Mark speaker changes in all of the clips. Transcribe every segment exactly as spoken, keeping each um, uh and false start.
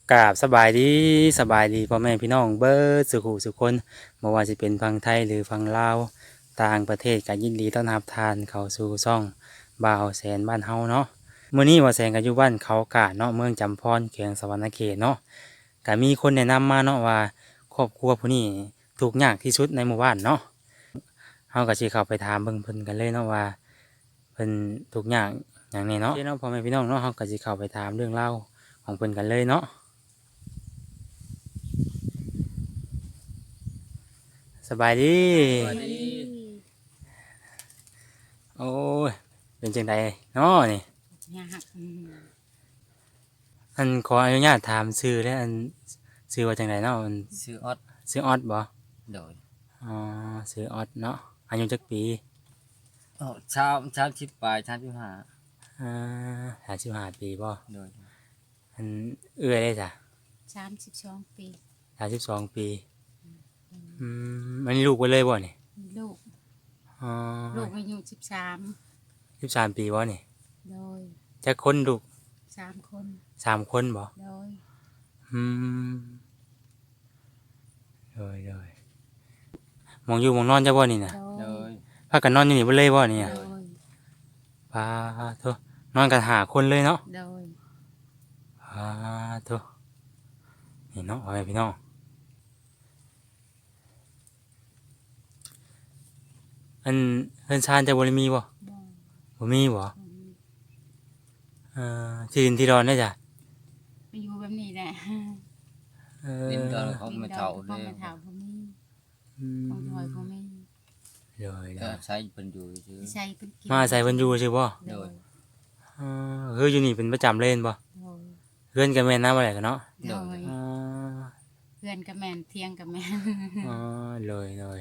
Speaker 1: กราบสบายดีสบายดีพ่อแม่พี่น้องเบิดสุขุสุขคนบ่ว่าสิเป็นฝั่งไทยหรือฝั่งลาวต่างประเทศก็ยินดีต้อนรับทานเข้าสู่ช่องบ่าวแสนบ้านเฮาเนาะมื้อนี้บ่าวแสนก็อยู่บ้านเขากาดเนาะเมืองจำพรแขวงสะหวรรณเขตเนาะก็มีคนแนะนำมาเนาะว่าครอบครัวผู้นี้ทุกข์ยากที่สุดในหมู่บ้านเนาะเฮาก็สิเข้าไปถามเบิ่งเพิ่นกันเลยเนาะว่าเพิ่นทุกข์ยากหยังแน่เนาะโอเคเนาะพ่อแม่พี่น้องเนาะเฮาก็สิเข้าไปถามเรื่องราวของเพิ่นกันเลยเนาะ สบายดี
Speaker 2: สวัสดี
Speaker 1: โอ้ย เป็นจังไดเนาะนี่
Speaker 2: ยากอืม
Speaker 1: อันขออนุญาตถามชื่อและอันชื่อว่าจังไดเนาะอัน
Speaker 2: ชื่อออด
Speaker 1: ชื่อออดบ่
Speaker 2: โดย
Speaker 1: อ๋อชื่อออดเนาะอายุจักปี
Speaker 2: อ๋อเช้าเช้าชิปปลายเช้าชิปหา
Speaker 1: อ่าห้าสิบห้าปีบ่
Speaker 2: โดย
Speaker 1: อันเอื้อยได้จ้ะ
Speaker 3: สามสิบสองปี
Speaker 1: ห้าสิบสองปี อืมอันนี้ลูกไว้เลยบ่นี่
Speaker 3: มีลูก
Speaker 1: อ๋อ
Speaker 3: ลูกอายุสิบสาม
Speaker 1: สิบสามปีบ่นี่
Speaker 3: โดย
Speaker 1: จักคนลูก
Speaker 3: สามคน
Speaker 1: สามคนบ่
Speaker 3: โดย
Speaker 1: อืมโดยโดยหมองอยู่หมองนอนจ้ะบ่นี่น่ะ
Speaker 3: โด
Speaker 2: โด
Speaker 3: ย
Speaker 2: ย
Speaker 1: พากันนอนอยู่นี่เบ่เลยบ่นี่
Speaker 3: โด
Speaker 1: อะ
Speaker 3: ย
Speaker 1: ปาโทนอนกันหาคนเลยเนาะ
Speaker 3: โดย
Speaker 1: ปาโทนี่เนาะเอาไปพี่น้องอันเฮือนชานจะบ่ได้มีบ่
Speaker 3: บ่
Speaker 1: บ่มีบ่
Speaker 3: บ่
Speaker 1: เอ่อที่ดินที่ดอนได้จ้ะ
Speaker 3: ไปอยู่แบบนี้แหละ
Speaker 1: เออ
Speaker 2: ดินดอนของไม่เท่า
Speaker 3: ข
Speaker 2: เล
Speaker 3: อง
Speaker 2: ย
Speaker 3: ไม่เท่าบ่มี
Speaker 1: อื
Speaker 3: ของดอยบ่มี
Speaker 1: โดยโด
Speaker 2: ก็
Speaker 1: ย
Speaker 2: ใช้เป็นอยู่ชื่อ
Speaker 3: ใช้เป็นกิน
Speaker 1: มาใส่เพิ่นอยู่ซื่อบ่
Speaker 3: โดย
Speaker 1: เออคืออยู่นี่เป็นประจำเล่นบ่
Speaker 3: โดย
Speaker 1: เฮือนก็แม่นนำบ่ได้กันเนาะ
Speaker 3: โดย
Speaker 1: อ๋อ
Speaker 3: เพื่อนกับแม่นเที่ยงกับแม่น
Speaker 1: อ๋อเลยเลย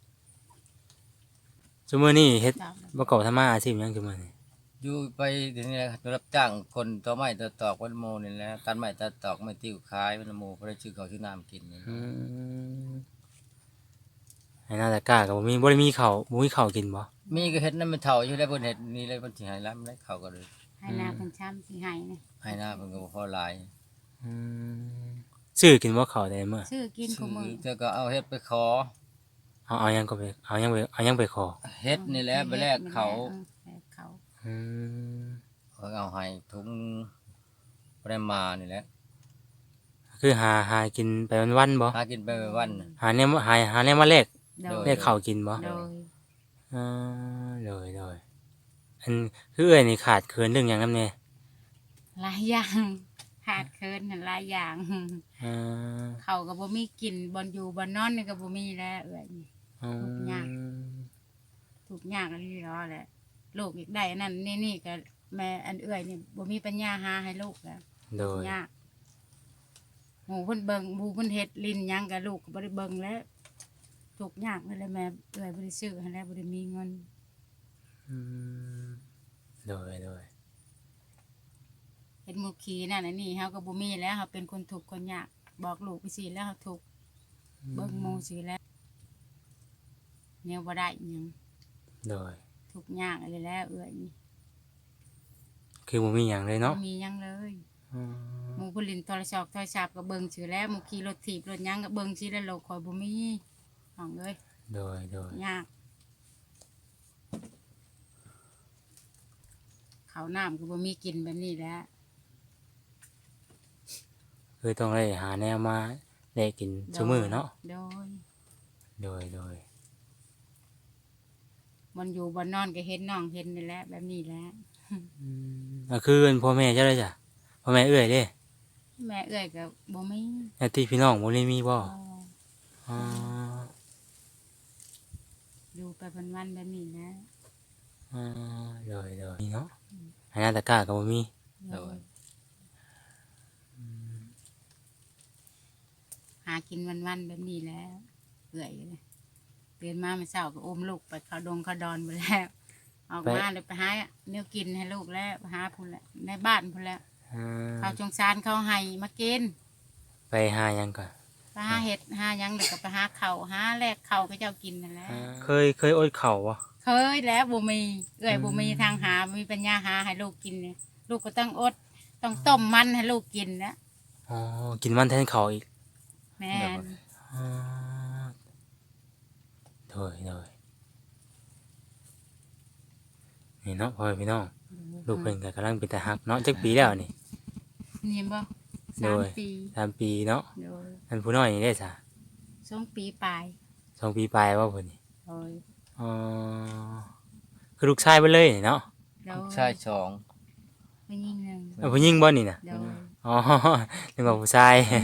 Speaker 1: ซุมื้อนี้เฮ็ด
Speaker 3: ตอบ
Speaker 1: บ่กอบทำมาอาชีพหยังซุมื้อนี้
Speaker 2: อยู่ไปเดี๋ยวนี้แหละรับจ้างคนต่อไม้ต่อตอกวันโมนี่แหละตัดไม้ตัดตอกไม้ติ้วขายวันโมเพราะได้ชื่อเขาชื่อน้ำกินนี่
Speaker 1: อืมให้หน้าตะกร้าก็บ่มีบ่ได้มีข้าวบ่มีข้าวกินบ่
Speaker 2: มีก็เห็ดนั่นมันเท่าอยู่แล้วบนเห็ดนี่เลยมันสิหายล้ำแล้วเขาก็เลย
Speaker 3: ให้นาเพิ่นช้ำสิให้นะ
Speaker 2: ให้หน้ามันก็บ่พอหลาย
Speaker 1: อืมซื้อกินบ่ข้าวได้มื้อ
Speaker 3: ซื้อกินข
Speaker 2: ซื้
Speaker 3: องมือ
Speaker 2: อเจ้าก็เอาเห็ดไปขอ
Speaker 1: เอาเอาหยังก็ไปเอาหยังไปเอาหยังไปขอ
Speaker 2: เห็ดนี่แหละไปแลกเขา
Speaker 3: ออแลกเขา
Speaker 1: อืม
Speaker 2: เขาเอาให้ทุงปริมาณนี่แหละ
Speaker 1: คือหาหากินไปวันๆบ่
Speaker 2: หากินไปวันๆน่ะ
Speaker 1: หาแนวหาหาแนวมาแลก
Speaker 3: โดย
Speaker 1: แลกข้าวกินบ่
Speaker 3: โดย
Speaker 1: อ่าเลยเลยอันคือเอ้อยนี่ขาดเขินเรื่องหยังนำแน่
Speaker 3: หลายอย่างขาดเคินน่ะหลายอย่าง
Speaker 1: อ่า
Speaker 3: เขาก็บ่มีกินบอนอยู่บอนนอนนี่ก็บ่มีแล้วเอ้ย
Speaker 1: อื
Speaker 3: ทุกอย่าง
Speaker 1: ม
Speaker 3: ทุกอย่างอันนี้รอแหละลูกอีกได้อันนั้นนี่นี่ก็แม่อันเอ้ยนี่บ่มีปัญญาหาให้ลูกแล้ว
Speaker 1: โดย
Speaker 3: ยากหมู่เพิ่นเบิ่งหมู่เพิ่นเฮ็ดลิ้นหยังก็ลูกก็บ่ได้เบิ่งแล้วทุกอย่างนั่นแหละแม่เอ้ยบ่ได้ซื้อให้แล้วบ่ได้มีเงิน
Speaker 1: อืมโดยโดย
Speaker 3: เฮ็ดหมู่ขี้นั่นอันนี้เฮาก็บ่มีแล้วเฮาเป็นคนทุกข์คนยากบอกลูกไปสิแล้วเฮาทุกข์เบิ่งหมู่สิแล้วแนวบ่ได้อิหยัง
Speaker 1: โดย
Speaker 3: ทุกอย่างอะไรแล้วเอื้อยนี่
Speaker 1: คือบ่มีหยังเลยเนาะ
Speaker 3: บ่มีหยังเลย
Speaker 1: อืม
Speaker 3: หมู่ผู้ลินโทรศัพท์โทรศัพท์ก็เบิ่งชื่อแล้วหมู่ขี่รถถีบรถหยังก็เบิ่งชื่อแล้วโลกข่อยบ่มีห้องเอ้ย
Speaker 1: โดยโดย
Speaker 3: ยากข้าวน้ำก็บ่มีกินแบบนี้แหล้ว
Speaker 1: คือต้องได้หาแนวมาได้กินซุมื้อเนาะ
Speaker 3: โดย
Speaker 1: โดยโดย
Speaker 3: มันอยู่บ่นอนก็เห็นน้องเห็นนี่แหละแบบนี้แหละ
Speaker 1: อืมก็คือเป็นพ่อแม่เจ้าได้จ้ะพ่อแม่เอื้อยเด้
Speaker 3: แม่เอื้อยก็บ่มี
Speaker 1: ญาติพี่น้องบ่ได้มีบ่
Speaker 3: อ๋อ
Speaker 1: อ๋อ
Speaker 3: อยู่ไปวันๆแบบนี้แหละ
Speaker 1: อ๋อโดยโดยนี่เนาะให้หน้าตะกร้าก็บ่มี
Speaker 3: โดยหากินวันๆแบบนี้แหล้วเอื้อยเลยตื่นมาเมื่อเช้าก็อุ้มลูกไปเขาดงเขาดอนไปแล้วออกมาเลยไปหาเนื้อกินให้ลูกแล้วไปหาพุ่นแหละในบ้านพุ่นแล้ว
Speaker 1: อ่า
Speaker 3: เขาจงซานเขาให้มากิน
Speaker 1: ไปหาหยังก่อน
Speaker 3: ไปหาเห็ดหาหยังเด็กก็ไปหาเขาวหาแลกเขาวก็เจ้ากินนั่นแหละ
Speaker 1: อ่าเคยเคยอดข้าวบ่
Speaker 3: เคยแล้วบุมีเอ้ย
Speaker 1: อืม
Speaker 3: บุมีทางหาบ่มีปัญญาหาให้ลูกกินเนี่ยลูกก็ต้องอด ต้องต้มมันให้ลูกกินนะ
Speaker 1: ออ๋อกินมันแทนข้าวอีก
Speaker 3: แม่น
Speaker 1: อ๋อโดยโดยนี่เนาะพ่อแม่พี่น้องลูกเพิ่นก็กำลังเป็นตาฮักเนาะจักปีแล้วนี่
Speaker 3: นี่บ่
Speaker 1: โด
Speaker 3: สาม
Speaker 1: ย
Speaker 3: ปี
Speaker 1: สามปีเนาะ
Speaker 3: โดย
Speaker 1: อันผู้น้อยนี่ได้ซะ
Speaker 3: สองปีปลาย
Speaker 1: สองปีปลายว่าเพิ่นนี่
Speaker 3: โดย
Speaker 1: อ๋อคือลูกชายเบิดเลยนี่เนาะ
Speaker 3: โดย
Speaker 2: ชายสอง
Speaker 3: ผู้หญิงหนึ่ง
Speaker 1: เอาผู้หญิงบ่นี่น่ะ
Speaker 3: โดย
Speaker 1: อ๋อนึกว่าผู้ชาย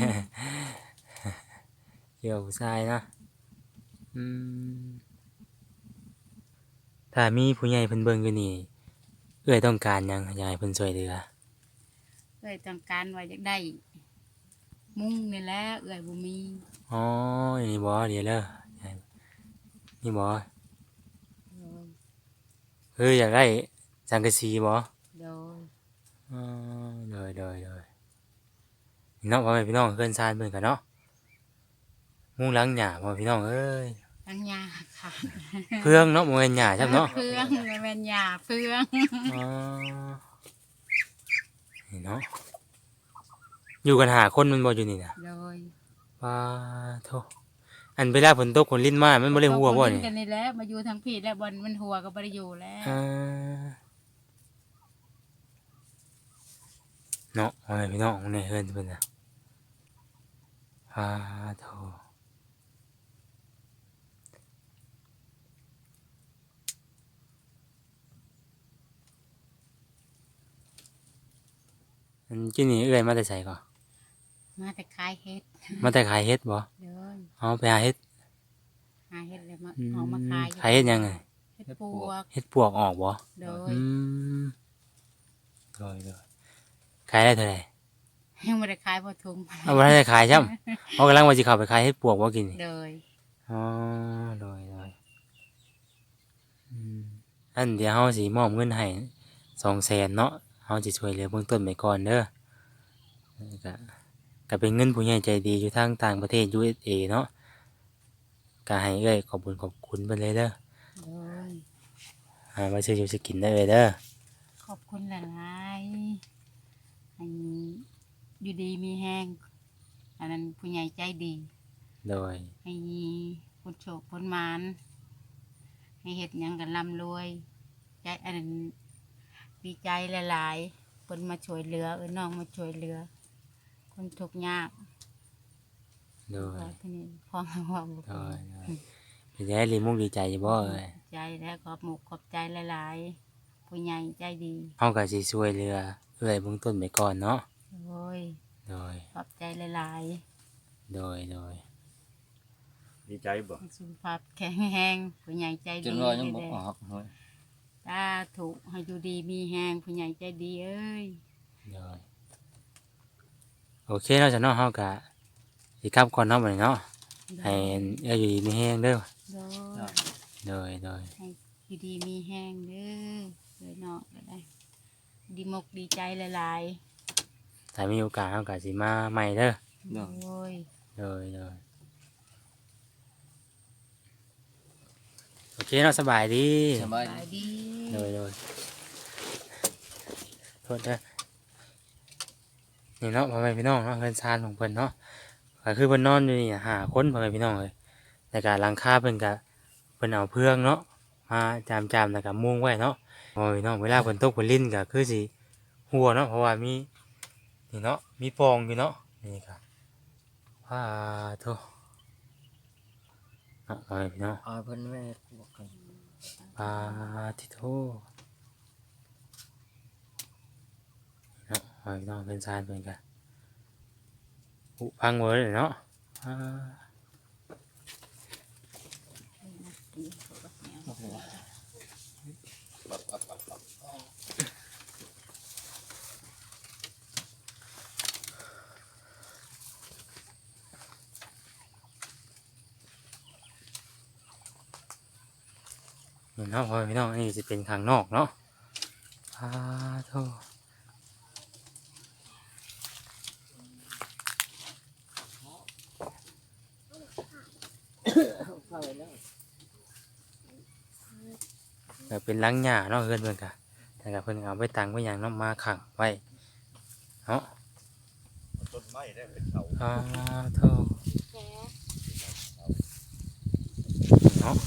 Speaker 1: เกี่ยวกับผู้ชายเนาะอืมถ้ามีผู้ใหญ่เพิ่นเบิ่งอยู่นี่เอื้อยต้องการหยังอยากให้เพิ่นช่วยเหลือ
Speaker 3: เอ้ยต้องการว่าอยากได้ มุ้งนี่แหละเอ้ยบ่มี
Speaker 1: อ๋อนี่บ่เดี๋ยวเด้อนี่บ่
Speaker 3: โดย
Speaker 1: เฮ้ยอยากได้สังกะสีบ่
Speaker 3: โดย
Speaker 1: อ๋อโดยโดยโดยนี่เนาะพ่อแม่พี่น้องเพิ่นซานเพิ่นกันเนาะมุงหลังหญ้าพ่อพี่น้องเอ้ย
Speaker 3: ตั้งยาค่ะ
Speaker 1: เพื่องเนาะบ่แม่นหญ้าครับเนาะ
Speaker 3: เฟืองแม่นยาเฟือง
Speaker 1: อ๋อนี่เนาะอยู่กันหาคนมันบ่อยู่นี่น่ะ
Speaker 3: โดย
Speaker 1: ว้าโธ่อันเวลาฝนตกฝนลิ้นมามันบ่ได้หัวบ่
Speaker 3: ตก
Speaker 1: นี่
Speaker 3: กันนี่แหละมาอยู่ทางพี่แล้วบอลมันหัวก็บ่ได้อยู่แล้ว
Speaker 1: อ่าเนาะพ่อแม่พี่น้องในเฮือนเพิ่นน่ะว้าโธ่อันกินนี่เอื้อยมาแต่ไสก่อน
Speaker 3: มาแต่ขายเฮ็ด
Speaker 1: มาแต่ขายเฮ็ดบ่
Speaker 3: โดย
Speaker 1: เอาไปหาเฮ็ด
Speaker 3: หาเฮ็ดแล้วมา
Speaker 1: อืม
Speaker 3: เอามาขาย
Speaker 1: ขายเฮ็ดหยังไง
Speaker 3: เฮ็ดปวก
Speaker 1: เฮ็ดปวกออกบ่
Speaker 3: โดย
Speaker 1: อืมโดยโดยขายได้เท่าไหร่
Speaker 3: ยังบ่ได้ขายบ่ทุ่ม
Speaker 1: เอาบ่ทันได้ขายซ้ํเอากำลังว่าสิเข้าไปขายเฮ็ดปวกบ่กินนี่
Speaker 3: โดย
Speaker 1: อ๋อโดยโดยอืมอันเดี๋ยวเฮาสิมอบเงินให้สองแสนเนาะเฮาสิช่วยเหลือเบื้องต้นไปก่อนเด้อแล้วก็ก็เป็นเงินผู้ใหญ่ใจดีอยู่ทางต่างประเทศ ยู เอส เอ เนาะก็ให้เอ้ยขอบคุญขอบคุณเพิ่นเลยเด้อ
Speaker 3: โดย
Speaker 1: หามาซื้ออยู่สิกินได้เลยเด้อ
Speaker 3: ขอบคุณหลายๆให้อยู่ดีมีแห้งอันนั้นผู้ใหญ่ใจดี
Speaker 1: โดย
Speaker 3: ให้คนโชคคนหมานให้เฮ็ดหยังกันร่ำรวยใจอันนั้นดีใจหลายๆเพิ่นมาช่วยเหลือเอ้ยน้องมาช่วยเหลือ คนทุกข์ยาก
Speaker 1: โดย
Speaker 3: ว่าที่นี่พ่อแม่ว่าบ่
Speaker 1: โดยโดยเป็นไงดีมุกดีใจอยู่บ่เอ้ย
Speaker 3: ใจแล้วขอบหมกขอบใจหลายๆผู้ใหญ่ใจดี
Speaker 1: เฮาก็สิช่วยเหลือเอ้ยเบื้องต้นไปก่อนเนาะ
Speaker 3: โอ้ย
Speaker 1: โดย
Speaker 3: ขอบใจหลาย
Speaker 1: โดยโดย
Speaker 4: ดีใจบ่
Speaker 3: ๆให้สุขภาพแข็งแรงผู้ใหญ่ใจ
Speaker 2: จ
Speaker 3: ดี
Speaker 2: นว่ายังบ่
Speaker 3: เด้
Speaker 2: ออกเฮ้ย
Speaker 3: ตาถูกให้อยู่ดีมีแรงผู้ใหญ่ใจดีเอ้ย
Speaker 1: โดยโอเคเนาะจ้ะเนาะเฮาก็สิกลับก่อนเนาะบัดนี้เนาะให้เอ้ยอยู่ดีมีแฮงเด้อ
Speaker 3: โดย
Speaker 1: โดยโดย
Speaker 3: ให้อยู่ดีมีแห้งเด้อเลยเนาะก็ได้ดีมกดีใจหลาย
Speaker 1: ถ้ามีโอกาสเฮาก็สิมาใหม่เด้อ
Speaker 3: ๆโอ้ย
Speaker 1: โดยโดยโอเคเนาะสบายดี
Speaker 2: สบาย
Speaker 3: สบายดี
Speaker 1: โดยโดยโทษเด้อนี่เนาะพ่อแม่พี่น้องเนาะเพิ่นซานของเพิ่นเนาะก็คือเพิ่นนอนอยู่นี่ห้าคนพ่อแม่พี่น้องเอ้ยแต่ก็หลังคาเพิ่นก็เพิ่นเอาเพื่องเนาะมาจามๆแล้วก็มุงไว้เนาะพ่อแม่พี่น้องเวลาฝนตกฝนลิ้นก็คือสิหัวเนาะเพราะว่ามีนี่เนาะมีปองอยู่เนาะนี่ก็ว้าโธ่เนาะพ่อแม่พี่น้อง
Speaker 2: เอาเพิ่นแม่บอกกัน
Speaker 1: ปาทิโทเนาะหอยน้องเป็นซานเป็นกันอุพังเวอร์เลยเนาะอ่านี่เนาะพอพี่น้องอันนี้จะเป็นข้างนอกเนาะปาโทแบบเป็นหลังหญ้าเนาะเพื่อนเพื่อนกันแต่กับเพื่อนเอาไปตังไว้อย่างเนาะมาขังไว้เนาะ
Speaker 4: ต้นไม้ได้เป็นเสา
Speaker 1: อ๋อโทษ
Speaker 3: แก
Speaker 1: เนาะ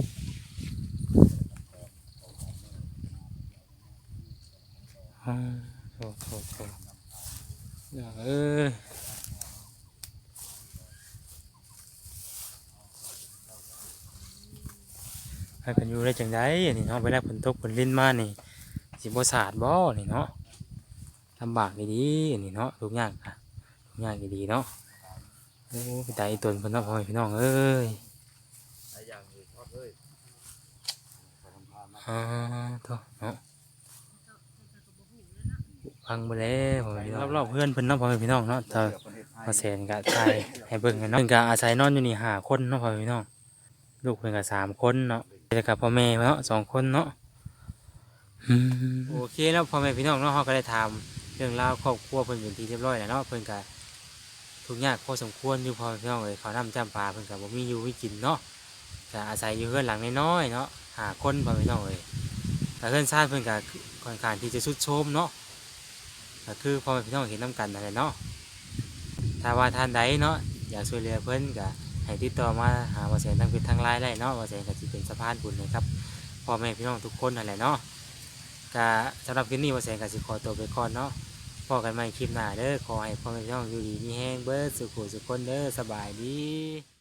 Speaker 1: อ๋อโทษโทษโทษอย่าเอ้ยให้เป็นอยู่ได้จังไดอันนี้เนาะเวลาฝนตกฝนลิ้นมานี่สิบ่สาดบ่นี่เนาะลำบากดีๆอันนี้เนาะทุกอย่างอะทุกอย่างดีๆเนาะโอ้ไปตายอีตนเพิ่นเนาะพ่อแม่พี่น้องเอ้ย
Speaker 4: หลายอย่างเลยทอดเอ้ย
Speaker 1: อ่าโทษเนาะพังไปแล้วพ่อแม่พี่น้องรอบๆเพื่อนเพิ่นเนาะพ่อแม่พี่น้องเนาะเธอมาแสนกะทายให้เบิ่งกันเนาะเพิ่นกะอาศัยนอนอยู่นี่ห้าคนเนาะพ่อแม่พี่น้องลูกเพิ่นกะสามคนเนาะแล้วกับพ่อแม่เนาะสองคนเนาะอืมโอเคแล้วพ่อแม่พี่น้องเนาะเฮาก็ได้ถามเรื่องราวครอบครัวเพิ่นเป็นที่เรียบร้อยแล้วเนาะเพิ่นกะทุกข์ยากพอสมควรอยู่พ่อแม่พี่น้องเอ้ยข้าวน้ำจ้ำปลาเพิ่นกะบ่มีอยู่มีกินเนาะก็อาศัยอยู่เรือนหลังน้อยๆเนาะห้าคนพ่อแม่พี่น้องเอ้ย แต่เพื่อนชาติเพื่อนก็ค่อนข้างที่จะสุดโทรมเนาะก็คือพอแม่พี่น้องเห็นน้ำกันนั่นแหละเนาะถ้าว่าท่านใดเนาะอยากช่วยเหลือเพื่อนก็ให้ติดต่อมาหาบ่แสนทั้งเป็นทางไลน์ได้เนาะบ่แสนก็สิเป็นสะพานบุญนะครับพ่อแม่พี่น้องทุกคนนั่นแหละเนาะก็สำหรับคลิปนี้บ่แสนก็สิขอตัวไปก่อนเนาะพบกันใหม่คลิปหน้าเด้อขอให้พ่อแม่พี่น้องอยู่ดีมีแรงเบิดสุขสุขคนเด้อสบายดี